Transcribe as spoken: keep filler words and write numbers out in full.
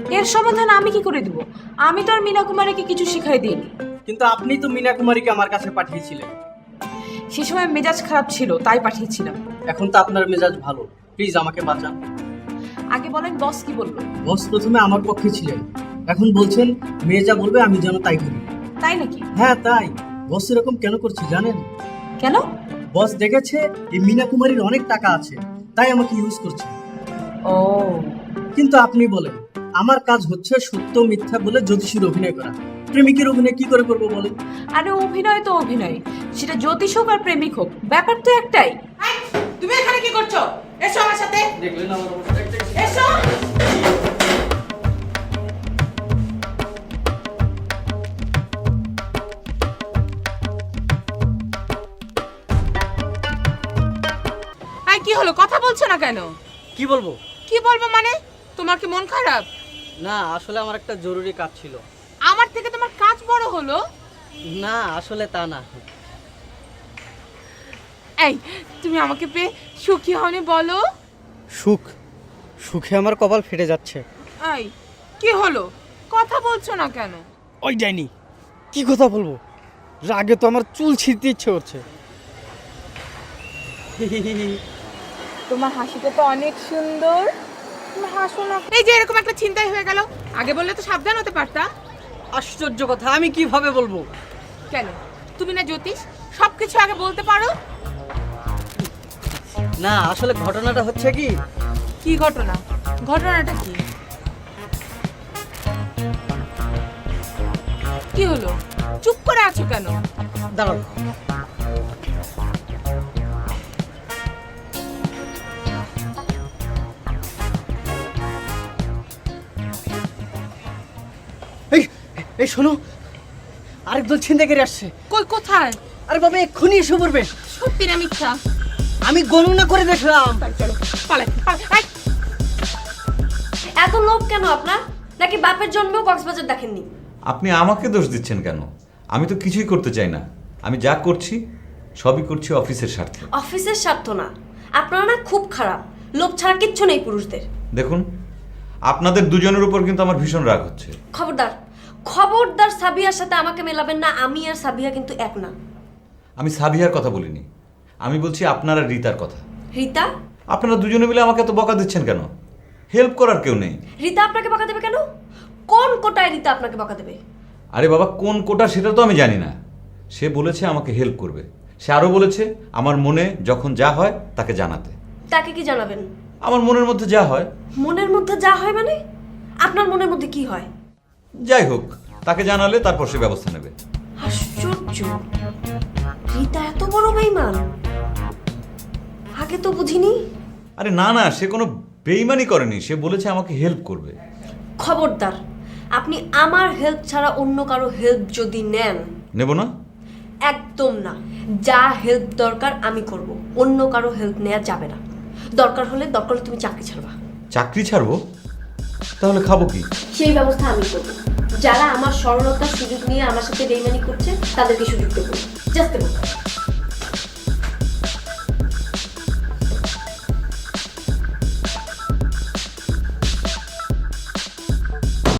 এর সমাধান আমি কি করে দিব? আমি তো আর মীনা কুমারীকে কিছু শিখাই দিইনি। কিন্তু আপনি তো মীনা কুমারীকে আমার কাছে পাঠিয়েছিলেন। সে সময় মেজাজ খারাপ ছিল, তাই পাঠিয়েছিলাম। এখন তো আপনার মেজাজ ভালো, প্লিজ আমাকে বাঁচান। আগে বলেন বস কি বললো? বস প্রথমে আমার পক্ষে ছিলেন, এখন বলছেন মেয়ে যা বলবে আমি যেন তাই করি। তাই নাকি? হ্যাঁ তাই। বস এরকম কেন করছে জানেন? কেন? বস দেখেছে এই মীনা কুমারীর অনেক টাকা আছে, তাই আমাকে ইউজ করছে। ও, কিন্তু আপনি বলেন, আমার কাজ হচ্ছে সত্য মিথ্যা বলে জ্যোতিষীর অভিনয় করা। প্রেমিকের অভিনয় কি করে করবো বলেন? আরে অভিনয় তো অভিনয়, সেটা জ্যোতিষ হোক আর প্রেমিক হোক, ব্যাপার তো একটাই। তুমি এখানে কি করছো? এসো আমার সাথে। দেখলেন আমার অবস্থা? এসো। আই কি হলো, কথা বলছো না কেন? কি বলবো? কি বলবো মানে? তোমার কি মন খারাপ? না আসলে আমার একটা জরুরি কাজ ছিল। আমার থেকে তোমার কাজ বড় হলো? না আসলে তা না। এই তুমি আমাকে পেয়ে সুখী হওনি বলো? সুখ? সুখে আমার কপাল ফেটে যাচ্ছে। এই কি হলো, কথা বলছো না কেন? ওই ডাইনি, কি কথা বলবো? রাগে তো আমার চুল ছিঁড়তে ইচ্ছে করছে। তোমার হাসিটা তো অনেক সুন্দর, তুমি হাসো না। এই যে এরকম একটা চিন্তাই হয়ে গেল, আগে বললে তো সাবধান হতে পারতা। আশ্চর্য কথা, আমি কিভাবে বলবো? কেন, তুমি না জ্যোতিষ, সবকিছু আগে বলতে পারো? না আসলে ঘটনাটা হচ্ছে কি। কি ঘটনা? ঘটনাটা কি? কি হলো, চুপ করে আছো কেন? দাঁড়াও। এই এই শোনো, আরেকদল ছিনতাইকারী আসছে। কই, কোথায়? আরে বাবা এক্ষুনি এসে পড়বে। সত্যি না মিথ্যা? আমি গণনা করে দেখলাম। চলো পালাই, পালাই। এত লোভ কেন আপনার? নাকি বাপের জন্মেও কক্সবাজার দেখেননি? আপনি আমাকে দোষ দিচ্ছেন কেন? আমি তো কিছুই করতে চাই না। আমি যা করছি সবই করছি অফিসের স্বার্থে। অফিসের স্বার্থ না, আপনারা না খুব খারাপ। লোভ ছাড়া কিচ্ছু নেই পুরুষদের। দেখুন, আপনাদের দুজনের উপর কিন্তু আমার ভীষণ রাগ হচ্ছে। খবরদার, খবরদার সাবিয়ার সাথে আমাকে মেলাবেন না। আমি আর সাবিয়া কিন্তু এক না। আমি সাবিহার কথা বলিনি, আমি বলছি আপনার আর রীতার কথা। রিতা? আপনারা দুজনে মিলে আমাকে এত বকা দিচ্ছেন কেন? হেল্প করার কেউ নেই। রিতা আপনাকে বকা দেবে কেন? কোন কোটায় রিতা আপনাকে বকা দেবে? আরে বাবা, কোন কোটা সেটা তো আমি জানি না। সে বলেছে আমাকে হেল্প করবে। সে আরও বলেছে আমার মনে যখন যা হয় তাকে জানাতে। তাকে কি জানাবেন? আমার মনের মধ্যে যা হয়। মনের মধ্যে যা হয় মানে? আপনার মনের মধ্যে কি হয়? যাই হোক, তাকে জানালে তারপর সে ব্যবস্থা নেবে। আশ্চর্য, রিতা এত বড় বেঈমান, আগে তো বুঝিনি। আরে না না, সে কোনো বেইমানি করেনি। সে বলেছে আমাকে হেল্প করবে। খবরদার, আপনি আমার হেল্প ছাড়া অন্য কারো হেল্প যদি নেন। নেব না? একদম না। যা হেল্প দরকার আমি করব, অন্য কারো হেল্প নেওয়া যাবে না। দরকার হলে দরকার হলে তুমি চাকরি ছাড়বা। চাকরি ছাড়বো? তাহলে খাবো কি? সেই ব্যবস্থা আমি করব। যারা আমার সরলতার সুযোগ নিয়ে আমার সাথে বেইমানি করছে তাদেরকে সুযোগ দেবো। জাস্ট দেবো।